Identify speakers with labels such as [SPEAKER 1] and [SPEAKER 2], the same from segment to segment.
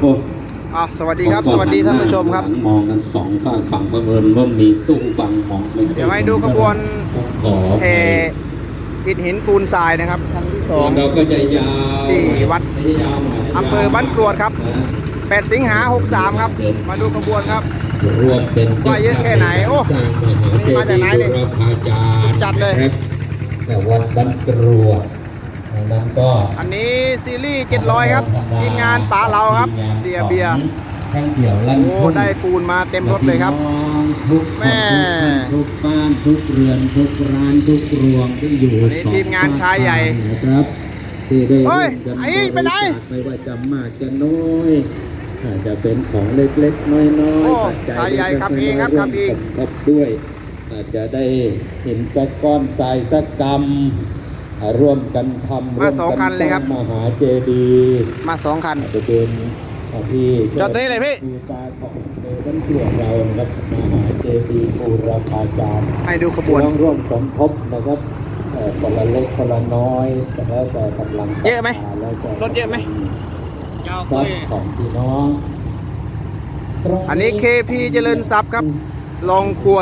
[SPEAKER 1] โอ้
[SPEAKER 2] สวัสดีครับสวัสดีท่านผู้ชมครับ
[SPEAKER 1] มองกันสองฝั่งประเมินว่ามีตู้ฟังมองไม่ค่อย
[SPEAKER 2] เดี๋ยวให้ดูขบวนแห่อิฐหินปูนทรายนะครับครั้งที่2
[SPEAKER 1] เราก็จะยาว
[SPEAKER 2] ที่วัดอำเภอบ้านกรวดครับ8 สิงหา 63ครับมาดูขบวนครับ
[SPEAKER 1] รวมเป็น
[SPEAKER 2] ว่าเยอะแค่ไหนโอ้นี่มาจากไหนเนี่ยจัดเลย
[SPEAKER 1] แต่วัดบ้านกรวดนั้นก็
[SPEAKER 2] อันนี้ซีรีส์700ครับทีมงานป๋าเราครับเสียเบียร์
[SPEAKER 1] แท่งเกี่ยวลั่น
[SPEAKER 2] โอ้ได้ปูนมาเต็มรถเลยครับแม่
[SPEAKER 1] ทุกบ้านทุกเรือนทุกร้านทุกรวงที่อยู่
[SPEAKER 2] อันนี้ทีมงานชายใหญ่
[SPEAKER 1] นะครับที่ได้ร่วมกัน
[SPEAKER 2] ไอ้ไปไหน
[SPEAKER 1] ไม่ว่าจะมากจะน้อยอาจจะเป็นของเล็กๆน้อยๆ
[SPEAKER 2] ชายใหญ่ครับเองครับครับเอง
[SPEAKER 1] ครับด้วยอาจจะได้เห็นสักก้อนทรายสักกรรมร่วมกันทำ
[SPEAKER 2] มา2 คันเลยครับ
[SPEAKER 1] มหาเจดีย์
[SPEAKER 2] มา2 คัน
[SPEAKER 1] จะเป็นที่
[SPEAKER 2] จอดตรงนี้เลยพี่
[SPEAKER 1] ดูตาของในบ้านเกิดเรานะครับมหาเจดีย์บูรพาจารย์
[SPEAKER 2] ให้ดูขบวน
[SPEAKER 1] ต้องร่วมสมทบนะครับคนละเล็กคนละน้อยแต่แล้วแต่กำลัง
[SPEAKER 2] เยอะไหมรถเยอะไหม
[SPEAKER 1] ยาวไปของพี่น้อง
[SPEAKER 2] อันนี้ KP เจริญทรัพย์ครับลองคว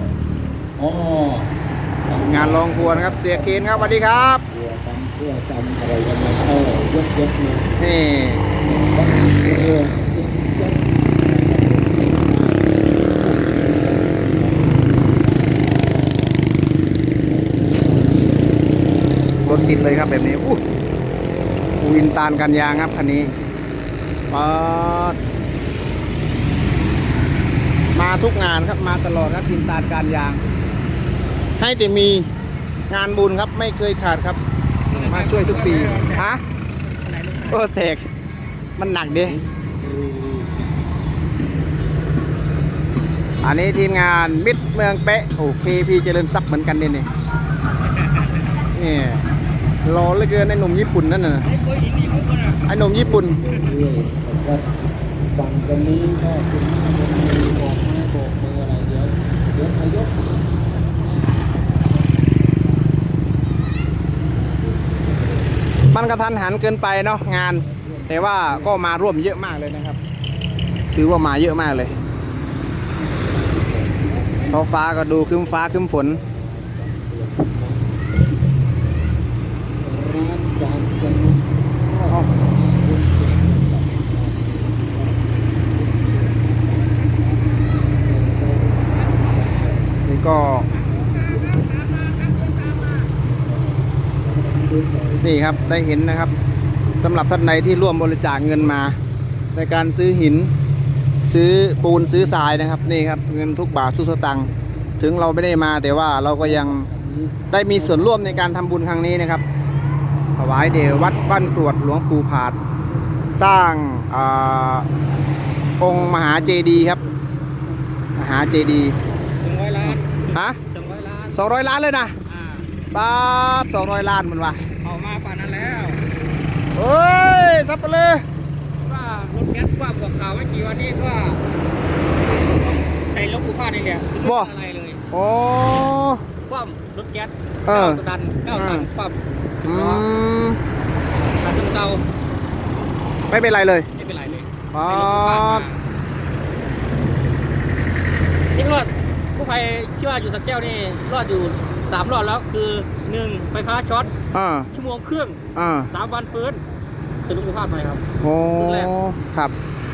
[SPEAKER 2] รงานลองควรครับเสียเคนครับสวัสดีครับ
[SPEAKER 1] เพื่อจำอะไรกันมาเข้ายก
[SPEAKER 2] นี่รถติดเลยครับแบบนี้วินตานกันยางครับคันนี้มาทุกงานครับมาตลอดครับวินตานการยางให้แต่มีงานบุญครับไม่เคยขาดครับมาช่วยทุกปีฮะแตกมันหนักดิอันนี้ทีมงานมิตรเมืองเป๊ะKPเจริญทรัพย์เหมือนกันนี่รอเหลือเกินไอ้หนุ่มญี่ปุ่นนั่นน่ะไอ้หนุ่มญี่ปุ่น
[SPEAKER 1] ฝั่งกันนี้ก็คุณบอกไม้โบกมืออะไรเดี๋ยวยก
[SPEAKER 2] มันกระทันหันเกินไปเนาะงานแต่ว่าก็มาร่วมเยอะมากเลยนะครับถือว่ามาเยอะมากเลยท้องฟ้าก็ดูครึ้มฟ้าครึ้มฝนนี่ก็นี่ครับได้เห็นนะครับสำหรับท่านใดที่ร่วมบริจาคเงินมาในการซื้อหินซื้อปูนซื้อทรายนะครับนี่ครับเงินทุกบาททุกสตางค์ถึงเราไม่ได้มาแต่ว่าเราก็ยังได้มีส่วนร่วมในการทำบุญครั้งนี้นะครับถวายเดชวัดบ้านกรวดหลวงปู่ผาดสร้างองค์มหาเจดีย์ครับมหาเจดีย์
[SPEAKER 1] 200 ล้าน
[SPEAKER 2] ฮะ200 ล้านเลยนะบาท200 ล้านมันวะ
[SPEAKER 1] เอามาป่านนั้นแล้ว
[SPEAKER 2] เฮ้ยซับไปเลย
[SPEAKER 1] ว่ารถแก๊สกว้างกว่าข่าวเมื่อกี้วันนี้ก็ใส่รถกูพาดนี่แหละไม่เป็นอะไรเลย
[SPEAKER 2] โอ้
[SPEAKER 1] คว่ำรถแก๊ส9 ตันคว่ำตัดเตา
[SPEAKER 2] ไม่เป็นไรเลย
[SPEAKER 1] ไม่เป็นไรเลยนี่รอดกู้ภัยชื่อว่าอยู่สักแก้วนี่รอดอยู่3 รอดแล้วคือ1ไฟฟ้าช็อตชั่วโมงครึ่ง3 วันฟื้นสรุปภาพหน่อยครับ
[SPEAKER 2] โอ้ครับ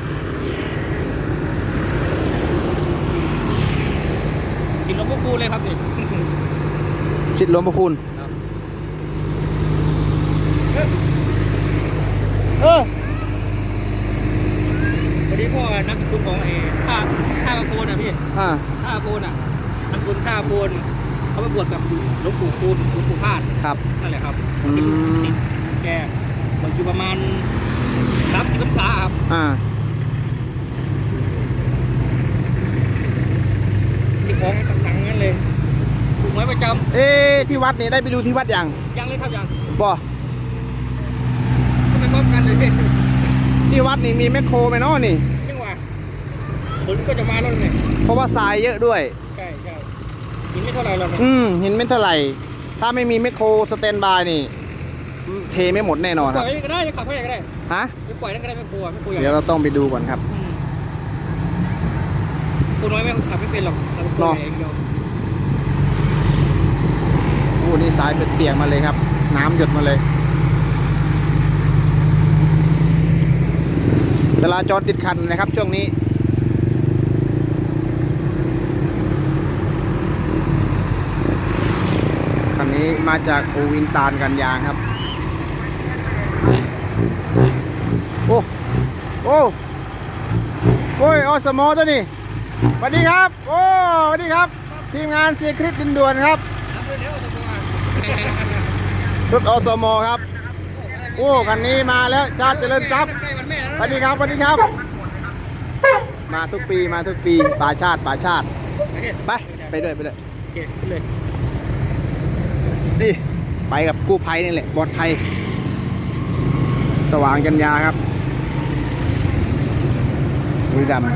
[SPEAKER 1] สิทธิ์หลวงพ่อคูณเลยครับนี่
[SPEAKER 2] สิทธิ์หลวงพ่อคูณ
[SPEAKER 1] วันนี้พ่อนักสกุลของท่าโพนอ่ะพี่ท่าโพนอ่ะนักสกุลท่าโพนเขาไปบวชกับหลวงปู่คูณหลวงปู่พาด
[SPEAKER 2] ครับ
[SPEAKER 1] นั่นแหละครับที่แกบวชอยู่ประมาณ30 พรรษาครับที่ของขังงั้นเลยถูกไหมประจำ
[SPEAKER 2] ที่วัดนี่ได้ไปดูที่วัดยัง
[SPEAKER 1] เลยครับยัง
[SPEAKER 2] บ่
[SPEAKER 1] ก็ไปพร้อมกันเลย
[SPEAKER 2] ที่วัดนี่มีแมคโครไหมเนาะนี่
[SPEAKER 1] ยังวะฝนก็จะมาแล้วเนี่ย
[SPEAKER 2] เพราะว่าทรายเยอะด้วย
[SPEAKER 1] ใช่หินไม่เท่าไหร่หรอก
[SPEAKER 2] หินไม่เท่าไหร่ถ้าไม่มีแมคโครสแตนบายนี่เทไม่หมดแน่นอน
[SPEAKER 1] ป
[SPEAKER 2] ค
[SPEAKER 1] ล่
[SPEAKER 2] รั
[SPEAKER 1] อบ ยก็ได้จะขับให้ก็ได้
[SPEAKER 2] ฮะ
[SPEAKER 1] ไม่ปล่อยนั่นก็ได้ไม่กลัวไม่กลัว
[SPEAKER 2] เดี๋ยวเราต้องไปดูก่อนครับ
[SPEAKER 1] คนน้อยไม่ขับไม่เป็นหรอกขับเป็นตัวเองเดียว
[SPEAKER 2] โอ้นี่สายเปียกๆมาเลยครับ น้ำหยดมาเลยเวลาจอดติดขัดนะครับช่วงนี้คันนี้มาจากโอวินตาลกันยางครับโอ้โอ้โอ้ยอสมอตัวนี้สวัสดีครับโอ้สวัสดีครับทีมงานเสียคริสดินด่วนครับรถอสมครับโอ้คันนี้มาแล้วชาติเจริญทรัพย์สวัสดีครับสวัสดีครับมาทุกปีมาทุกปีป่าชาติไปด้วยไปด้วย
[SPEAKER 1] โอเคขึ้นเลย
[SPEAKER 2] ดิไปกับกู้ภัยนี่แหละปลอดภัยสว่างกันยาครับบุรีรัมย์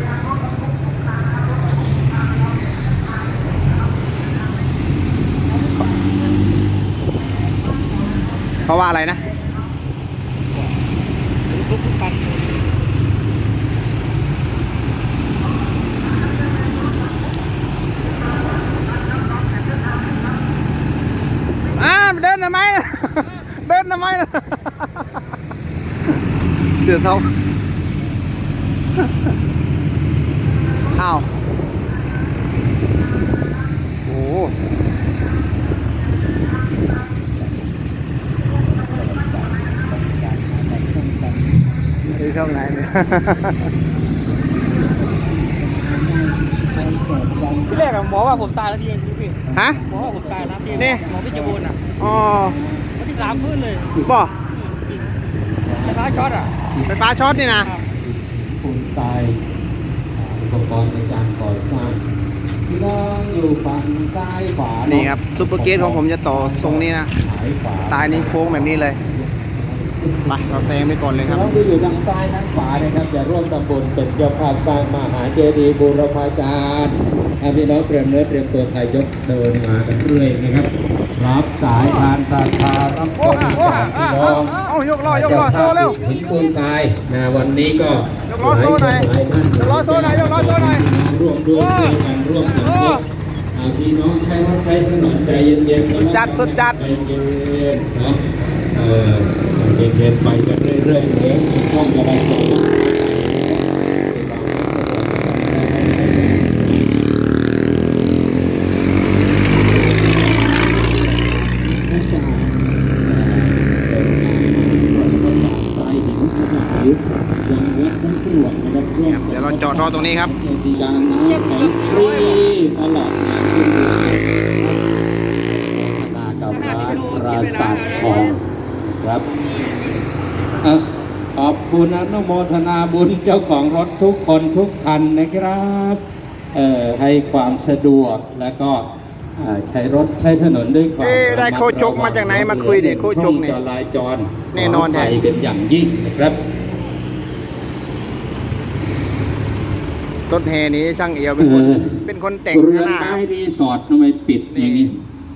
[SPEAKER 2] เพราะว่าอะไรนะ
[SPEAKER 1] ทุกคัน
[SPEAKER 2] เดินทำไมนะ เดินทำไมนะ เดือดเขาอ้าวโอ้ช่องไหนเนี่ย
[SPEAKER 1] ที่แรกหมอว่าผมตายแล้วพี่พี่
[SPEAKER 2] ฮะ
[SPEAKER 1] หมอว่าผมตายแล้วพี่
[SPEAKER 2] นี่
[SPEAKER 1] หมอพิจิบูรณ์อ่ะ
[SPEAKER 2] อ๋อ
[SPEAKER 1] วันที่3พื้นเลย
[SPEAKER 2] บ่
[SPEAKER 1] ไฟฟ้าช็อตอ่ะ
[SPEAKER 2] ไฟฟ้าช็อตนี่นะ
[SPEAKER 3] ปูนทรายอุปกรณ์ในการก่อสร้างพี่น้องอยู่ฝั่งซ้ายขวา
[SPEAKER 2] นี่ครับซุปเปอร์เกตของผมจะต่อทรงนี้นะ
[SPEAKER 3] สายขวา
[SPEAKER 2] ตายนี้โค้งแบบนี้เลยไปเราแซงไปก่อนเลยครับ
[SPEAKER 3] น้องที่อยู่ทางซ้ายทางขวานะครับจะร่วมตำบลเป็นเจ้าภาพสร้างมหาเจดีย์บูรพาจารย์พี่น้องเตรียมเนื้อเตรียมตัวไทยยกเดินมากันเรื่อยนะครับรับสายทานศรัทธารับชมจากพี่น้อง
[SPEAKER 2] เอายกล้อยกล้อโซ่เร็ว
[SPEAKER 3] หินปูนทรายนะวันนี้ก็
[SPEAKER 2] ยกล้อโซ่หน่อยยกล้อโซ่หน่อยยกล้อโซ่หน่อย
[SPEAKER 3] ร่วมด้วยช่วยกันร่วมกันพี่น้องใช้รถใช้ถนนใจเย็นๆ
[SPEAKER 2] สุดจัดสุดจัด
[SPEAKER 3] ใจเย็นๆเนาะเย็นๆไปกันเรื่อยๆเดี๋ยวต้องจะได้จบ
[SPEAKER 2] เดี๋ยวเราจอดรอตรงนี้ครับ
[SPEAKER 3] การน้ำของฟรีตลอดงานขึ้นนากับร้านปราสาททองครับขอบคุณอนุโมทนาบุญเจ้าของรถทุกคนทุกคันนะครับให้ความสะดวกและก็ใช้รถใช้ถนนด้วยความ
[SPEAKER 2] ได้โคชกมาจากไหนมาคุยดิโคชกนี่
[SPEAKER 3] จราจร
[SPEAKER 2] แน่นอนแท้
[SPEAKER 3] ไปเป็นอย่างยิ่งนะครับ
[SPEAKER 2] รถแห่นี้ช่างเอียวเป็นคนแต่ง
[SPEAKER 3] เรือน
[SPEAKER 2] หน้า
[SPEAKER 3] ไม้รีสอร์ททำไมปิดอย่างนี้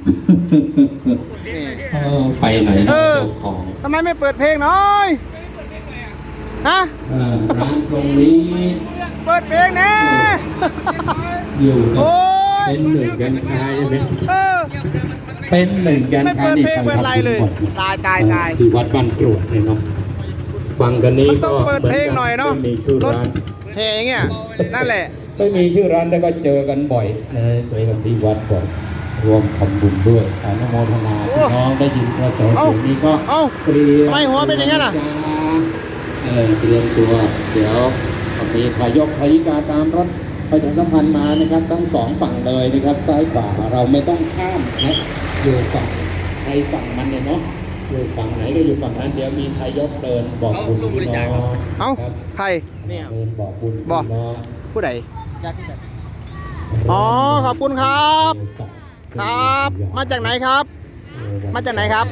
[SPEAKER 2] นี่
[SPEAKER 3] ไปไหนนะ
[SPEAKER 2] เออ
[SPEAKER 3] เจ้าของ
[SPEAKER 2] ทำไมไม่เปิดเพลงหน่อยฮะ
[SPEAKER 3] ร้านตรงนี้
[SPEAKER 2] เปิดเพลงแน่
[SPEAKER 3] อยู่กับ
[SPEAKER 2] โอ้ย
[SPEAKER 3] เป็นหนึ่งกันชายใช่ไหม
[SPEAKER 2] เออ
[SPEAKER 3] เป็นหนึ่งกัน
[SPEAKER 2] ไม่
[SPEAKER 3] ชาย
[SPEAKER 2] เปิดเพลงเปิดอะไรเลย ตายตายตาย
[SPEAKER 3] ที่วัดบ้านกรวดเนี่ยเนาะฟังกันนี้
[SPEAKER 2] มันต้
[SPEAKER 3] ก็
[SPEAKER 2] องเปิดเพลงหน่อยเนาะ
[SPEAKER 3] ไม่มีชื่อ
[SPEAKER 2] รถ
[SPEAKER 3] ร้าน
[SPEAKER 2] แห่อย่างเงี้ยนั่นแหละ
[SPEAKER 3] ไม่มีชื่อร้านแต่ก็เจอกันบ่อยเจอกันที่วัดบ่อยรวมทำบุญด้วยอนุโมทนาพี่น้องได้ยินกระแสเสียงนี้ก็
[SPEAKER 2] เอ้า
[SPEAKER 3] เตรียม
[SPEAKER 2] ทำไมหัวเป็นอย่างนั้นอ่ะ
[SPEAKER 3] เตรียมตัวเดี๋ยวมีทายกทายิกาตามรถประชาสัมพันธ์มานะครับทั้งสองฝั่งเลยนะครับซ้ายขวาเราไม่ต้องข้ามนะอยู่ฝั่งใครฝั่งมันเนี่ยเนาะอยู่ฝั่งไหนก็อยู่ฝั่งนั้นเดี๋ยวมีทายกเดินบอกบุญพี่น้อง
[SPEAKER 2] เอ้า
[SPEAKER 3] ครับ
[SPEAKER 2] ใคร
[SPEAKER 1] เนี่ย
[SPEAKER 3] เดินบอกบุญพี่
[SPEAKER 2] บอก
[SPEAKER 3] น้อง
[SPEAKER 2] ผู้ใด
[SPEAKER 1] อยากที่ไหน
[SPEAKER 2] อ๋อขอบคุณครับ ครับ มาจากไหนครับ มาจากไหนครับ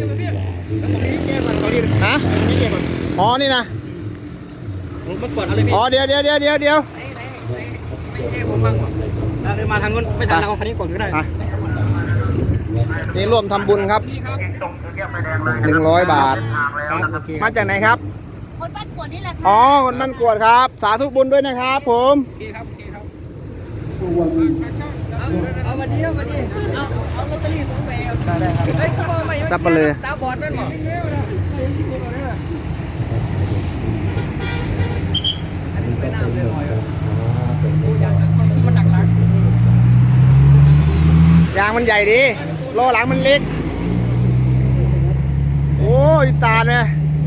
[SPEAKER 2] ฮะ อ๋อ นี่นะ
[SPEAKER 1] มันกดอะไรพี่
[SPEAKER 2] อ๋อ เดี๋ยว
[SPEAKER 1] ผมบ้างเดินมาทางนู้นไม่ทันเราคันนี้ก่อนก็ได้
[SPEAKER 2] อ่ะนี่ร่วมทำบุญครับ
[SPEAKER 1] นี่ครับ
[SPEAKER 2] 100 บาท
[SPEAKER 1] ครับโอเค
[SPEAKER 2] มาจากไหนครับ
[SPEAKER 4] คนบ้านกวดนี่แหละค่ะ
[SPEAKER 2] อ๋อคนบ้านกวดครับ สาธุบุญด้วยนะครับผม
[SPEAKER 1] โอเคครับโอเคครับเอาวันนี้วันนี้เอาลอตเตอรี่ผมไปได้ครับเฮ้ยเขาบอกไม่
[SPEAKER 2] ซับไปเลย
[SPEAKER 1] ตาบอดแม่นบ่อันนี้ไปน้ำเลยมันหนักหลัง
[SPEAKER 2] ยางมันใหญ่ดีล้อหลังมันเล็ก โอ้ยตาเนี่ย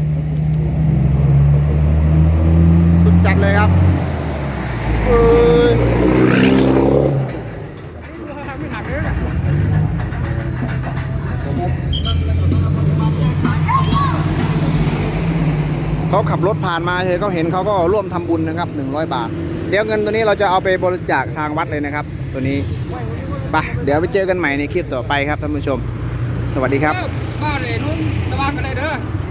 [SPEAKER 2] สุดจัดเลยครับเอ้ยเขาขับรถผ่านมาเฉยเขาเห็นเขาก็ร่วมทำบุญนะครับ100 บาท เดี๋ยวเงินตัวนี้เราจะเอาไปบริจาคทางวัดเลยนะครับ ตัวนี้ไปเดี๋ยวไปเจอกันใหม่ในคลิปต่อไปครับท่านผู้ชม สวัสดีครับ
[SPEAKER 1] บ้านเลยนุ่นตะวันกันเลยเด้อ